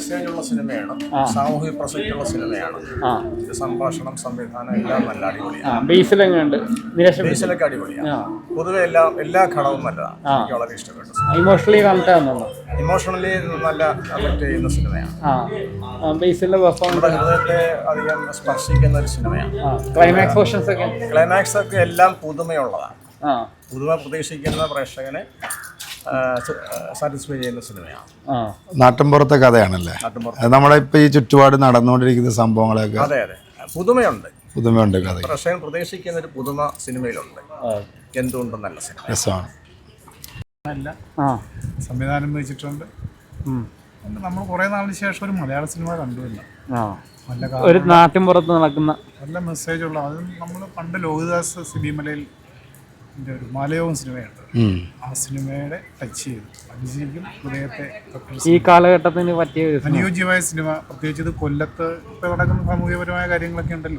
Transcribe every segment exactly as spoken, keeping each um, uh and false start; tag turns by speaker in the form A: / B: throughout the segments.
A: മെസ്സേജുള്ള സിനിമയാണ്, സാമൂഹിക പ്രസക്തിയുള്ള സിനിമയാണ്. സംഭാഷണം, സംവിധാനം എല്ലാം നല്ല അടിപൊളിയാണ്. ബേസിലൊക്കെ അടിപൊളിയാണ്. പൊതുവെ എല്ലാ എല്ലാ ഘടകവും നല്ലതാണ്. എനിക്ക് വളരെ ഇഷ്ടപ്പെട്ടു.
B: ഇമോഷണലി കണക്ട്
A: ഇമോഷണലി നല്ല അഫക്ട് ചെയ്യുന്ന സിനിമയാണ്. നമ്മുടെ ഹൃദയത്തെ അധികം സ്പർശിക്കുന്ന ഒരു സിനിമയാണ്.
B: ക്ലൈമാക്സ് പോർഷൻസ് ഒക്കെ
A: ക്ലൈമാക്സ് ഒക്കെ എല്ലാം പുതുമയുള്ളതാണ്. പുതുമ പ്രതീക്ഷിക്കുന്ന പ്രേക്ഷകനെ സാറ്റിസ്ഫൈ ചെയ്യുന്ന സിനിമയാണ്.
C: നാട്ടിൻപുറത്തെ കഥയാണല്ലേ, നമ്മുടെ ഇപ്പൊ ഈ ചുറ്റുപാട് നടന്നുകൊണ്ടിരിക്കുന്ന സംഭവങ്ങളൊക്കെ.
A: അതെ അതെ, പുതുമയുണ്ട്
C: പുതുമയുണ്ട് കഥ.
A: പ്രേക്ഷകൻ പ്രതീക്ഷിക്കുന്ന ഒരു പുതുമ സിനിമയിലുണ്ട്. എന്തുകൊണ്ടും നല്ല സിനിമ,
C: രസമാണ്.
D: നല്ല സംവിധാനം വെച്ചിട്ടുണ്ട്. നമ്മൾ കുറെ നാളിന് ശേഷം ഒരു മലയാള സിനിമ കണ്ടുവല്ല.
B: ഒരു നാട്ടിൻപുറത്ത് നടക്കുന്ന
D: നല്ല മെസ്സേജുള്ള, അത് നമ്മൾ പണ്ട് ലോഹിദാസ് സിബിമലയിൽ ഒരു മാലയോകം സിനിമയുണ്ട്, ആ സിനിമയുടെ ടച്ച് ചെയ്തു. അത് ശരിക്കും ഹൃദയത്തെ
B: ഈ കാലഘട്ടത്തിന് പറ്റിയ
D: അനുയോജ്യമായ സിനിമ. പ്രത്യേകിച്ച് ഇത് കൊല്ലത്ത് ഇപ്പൊ നടക്കുന്ന സാമൂഹികപരമായ കാര്യങ്ങളൊക്കെ ഉണ്ടല്ലോ,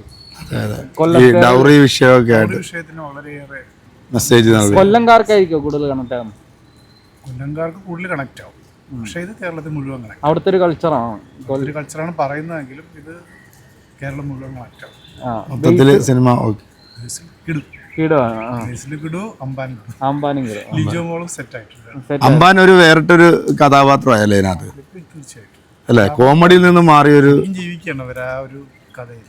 D: വിഷയത്തിന് വളരെയേറെ
C: മെസ്സേജ്.
B: കൊല്ലംകാർക്കായിരിക്കും കൂടുതൽ കണക്ട് ആകും.
D: കൊല്ലംകാർക്ക് കൂടുതൽ കണക്ട് ആവും. പക്ഷേ ഇത് കേരളത്തിൽ മുഴുവൻ കണക്ട്.
B: അവിടുത്തെ ഒരു കൾച്ചറാണ്
D: ഒരു കൾച്ചറാണ് പറയുന്നതെങ്കിലും ഇത് കേരളം മുഴുവൻ കണക്ട് ആവും.
C: സിനിമ അമ്പാൻ ഒരു വേറിട്ടൊരു കഥാപാത്രമായല്ലേ ഇതിനകത്ത്?
D: തീർച്ചയായിട്ടും
C: അല്ലെ, കോമഡിയിൽ നിന്ന് മാറിയൊരു
D: ജീവിക്കണം അവർ ആ ഒരു കഥയിൽ.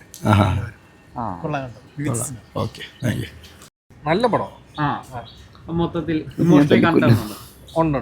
A: നല്ല പടം.
B: മൊത്തത്തിൽ
A: ഉണ്ട്.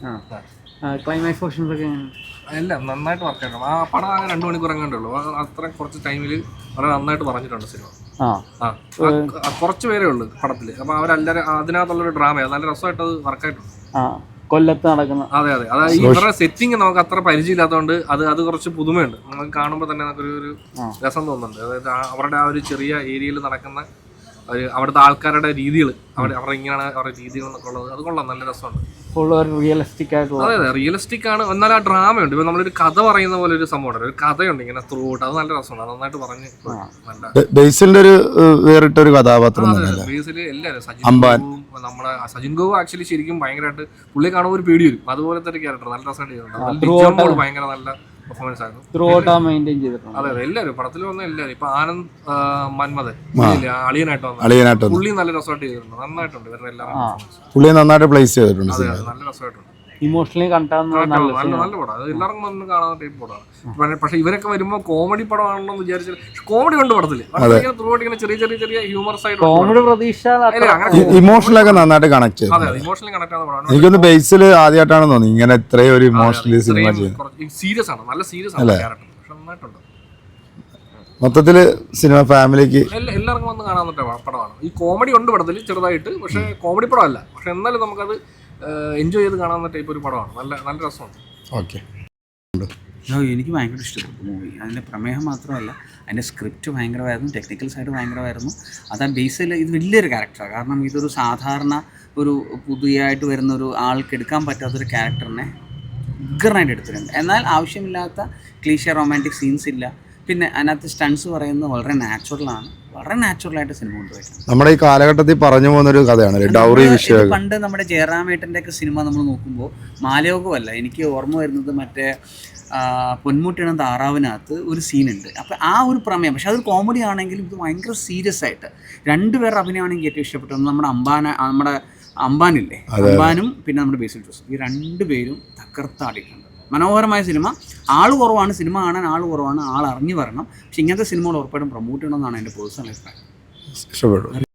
B: ക്ലൈമാക്സ് പോർഷൻസ് ഒക്കെ
A: എല്ലാം നന്നായിട്ട് വർക്ക് ചെയ്യണം. ആ പടം ആകെ രണ്ടു മണിക്കൂർ എങ്ങാണ്ടുള്ളൂ. അത്ര കുറച്ച് ടൈമിൽ വളരെ നന്നായിട്ട് പറഞ്ഞിട്ടുണ്ട് സിനിമ. ആ കുറച്ച് പേരേ ഉള്ളൂ പടത്തിൽ. അപ്പൊ അവരെല്ലാരും അതിനകത്തുള്ളൊരു ഡ്രാമയാണ്, നല്ല രസമായിട്ട് അത് വർക്കായിട്ടുണ്ട്.
B: കൊല്ലത്ത് നടക്കുന്ന.
A: അതെ അതെ, അതായത് ഇവരുടെ സെറ്റിംഗ് നമുക്ക് അത്ര പരിചയമില്ലാത്തതുകൊണ്ട് അത് അത് കുറച്ച് പുതുമയുണ്ട്. നമുക്ക് കാണുമ്പോൾ തന്നെ നമുക്കൊരു ഒരു രസം തോന്നുന്നുണ്ട്. അതായത് അവരുടെ ആ ഒരു ചെറിയ ഏരിയയിൽ നടക്കുന്ന ഒരു അവിടുത്തെ ആൾക്കാരുടെ രീതികൾ, അവിടെ അവരുടെ ഇങ്ങനെയാണ് അവരുടെ രീതികൾ എന്നൊക്കെ ഉള്ളത്. അത് കൊള്ളാം, നല്ല രസമുണ്ട്.
B: റിയലിസ്റ്റിക് ആയിട്ടുള്ള.
A: അതെ അതെ, റിയലിസ്റ്റിക് ആണ്. എന്നാൽ ആ ഡ്രാമയുണ്ട്. ഇപ്പൊ നമ്മളൊരു കഥ പറയുന്ന പോലെ ഒരു സംഭവം, ഒരു കഥയുണ്ട് ഇങ്ങനെ ത്രൂ ഔട്ട്. അത് നല്ല രസമാണ്, നന്നായിട്ട് പറഞ്ഞ്.
C: ബേസിലിന്റെ ഒരു വേറിട്ടൊരു കഥാപാത്രം.
A: ബേസിൽ എല്ലാവരും സജിൻ ഗോവും നമ്മുടെ സജിൻ ഗോവ് ആക്ച്വലി ശരിക്കും ഭയങ്കരമായിട്ട് പുള്ളി കാണുമ്പോൾ ഒരു പേടി വരും. അതുപോലത്തെ ഒരു ക്യാരക്ടർ നല്ല രസമായിട്ട് ചെയ്തിട്ടുണ്ട്. ഭയങ്കര നല്ല പെർഫോമൻസ് ആയിരുന്നു. അതെ അതെ, എല്ലാവരും പടത്തിൽ വന്ന എല്ലാവരും. ഇപ്പൊ ആനന്ദ് മന്മഥൻ അളിയനായിട്ട് വന്ന പുള്ളി നല്ല രസമായിട്ട് ചെയ്തിട്ടുണ്ട്. നന്നായിട്ടുണ്ട് ഇവരുടെ എല്ലാം.
C: പുള്ളി നന്നായിട്ട് പ്ലേസ് ചെയ്തിട്ടുണ്ട്.
A: അതെ അതെ, നല്ല രസമായിട്ടുണ്ട്.
B: ഇമോഷണലി കണ്ടാകുന്ന
A: നല്ല നല്ല പടം. അത് എല്ലാവർക്കും വന്ന് കാണാൻ ടൈപ്പ് പടമാണ്. പക്ഷെ ഇവരൊക്കെ വരുമ്പോൾ കോമഡി പടമാണെന്ന് വിചാരിച്ചാൽ കോമഡി ഉണ്ട് പടത്തിൽ. ത്രൂ ഔട്ട് ഇങ്ങനെ ചെറിയ ചെറിയ ചെറിയ ഹ്യൂമർ സൈഡ്,
B: കോമഡി പ്രതീക്ഷ,
C: ഇമോഷണലൊക്കെ നന്നായിട്ട് കണക്ട് ചെയ്തു.
A: അതെ, ഇമോഷണലി കണക്ട് ആവുന്ന പടമാണ്.
C: എനിക്കൊന്ന് ബേസിൽ ആദ്യമായിട്ടാണ് തോന്നി ഇങ്ങനെ ഇത്രയും ഒരു ഇമോഷണലി സിനിമ ചെയ്യുന്നത്.
A: സീരിയസ് ആണ്, നല്ല സീരിയസ് ആണ് ക്യാരക്ടർ. പക്ഷെ നന്നായിട്ടുണ്ട്.
C: മൊത്തത്തില് സിനിമ ഫാമിലിക്ക്
A: എല്ലാവർക്കും വന്ന് കാണാൻ പറ്റുന്ന പടമാണ്. ഈ കോമഡി ഉണ്ട് പടത്തിൽ ചെറുതായിട്ട്, പക്ഷെ കോമഡി പടമല്ല. പക്ഷെ എന്നാലും നമുക്കത് എൻജോയ് ചെയ്ത് കാണാവുന്ന ടൈപ്പ് ഒരു പടമാണ്. നല്ല നല്ല രസമുണ്ട്.
C: ഓക്കെ,
E: എനിക്ക് ഭയങ്കര ഇഷ്ടപ്പെട്ടു മൂവി. അതിൻ്റെ പ്രമേയം മാത്രമല്ല, അതിൻ്റെ സ്ക്രിപ്റ്റ് ഭയങ്കരമായിരുന്നു, ടെക്നിക്കൽ സൈഡ് ഭയങ്കരമായിരുന്നു. അത് ആ ബേസിൽ ഇത് വലിയൊരു ക്യാരക്ടറാണ്. കാരണം ഇതൊരു സാധാരണ ഒരു പുതിയതായിട്ട് വരുന്ന ഒരു ആൾക്ക് എടുക്കാൻ പറ്റാത്തൊരു ക്യാരക്ടറിനെ ഉഗ്രനായിട്ട് എടുത്തിട്ടുണ്ട്. എന്നാൽ ആവശ്യമില്ലാത്ത ക്ലീഷേ റൊമാൻറ്റിക് സീൻസ് ഇല്ല. പിന്നെ അതിനകത്ത് സ്റ്റൺസ് പറയുന്നത് വളരെ നാച്ചുറലാണ്, വളരെ നാച്ചുറലായിട്ട് സിനിമ കൊണ്ടുപോയിട്ടുണ്ട്.
C: നമ്മുടെ ഈ കാലഘട്ടത്തിൽ പറഞ്ഞു പോകുന്നൊരു കഥയാണ് ഡൗറി വിഷയം.
E: പണ്ട് നമ്മുടെ ജയറാമേട്ടൻ്റെ ഒക്കെ സിനിമ നമ്മൾ നോക്കുമ്പോൾ മാലയോഗമല്ല, എനിക്ക് ഓർമ്മ വരുന്നത് മറ്റേ പൊന്മുട്ടിയുടെ താറാവിനകത്ത് ഒരു സീനുണ്ട്. അപ്പോൾ ആ ഒരു പ്രമേയം, പക്ഷെ അതൊരു കോമഡി ആണെങ്കിലും ഇത് ഭയങ്കര സീരിയസ് ആയിട്ട് രണ്ടുപേരുടെ അഭിനയമാണ് എനിക്ക് ഏറ്റവും ഇഷ്ടപ്പെട്ടത്. നമ്മുടെ അംബാന നമ്മുടെ അംബാനില്ലേ, അംബാനും പിന്നെ നമ്മുടെ ബേസിൽ ജോസഫ്, ഈ രണ്ടുപേരും തകർത്താടിയിട്ടുണ്ട്. മനോഹരമായ സിനിമ. ആൾ കുറവാണ്, സിനിമ കാണാൻ ആൾ കുറവാണ്, ആൾ അറിഞ്ഞു വരണം. പക്ഷെ ഇങ്ങനത്തെ സിനിമകൾ ഉറപ്പായിട്ടും പ്രൊമോട്ട് ചെയ്യണമെന്നാണ് എൻ്റെ പേഴ്സണൽ അഭിപ്രായം.
C: ഇഷ്ടപ്പെട്ടു.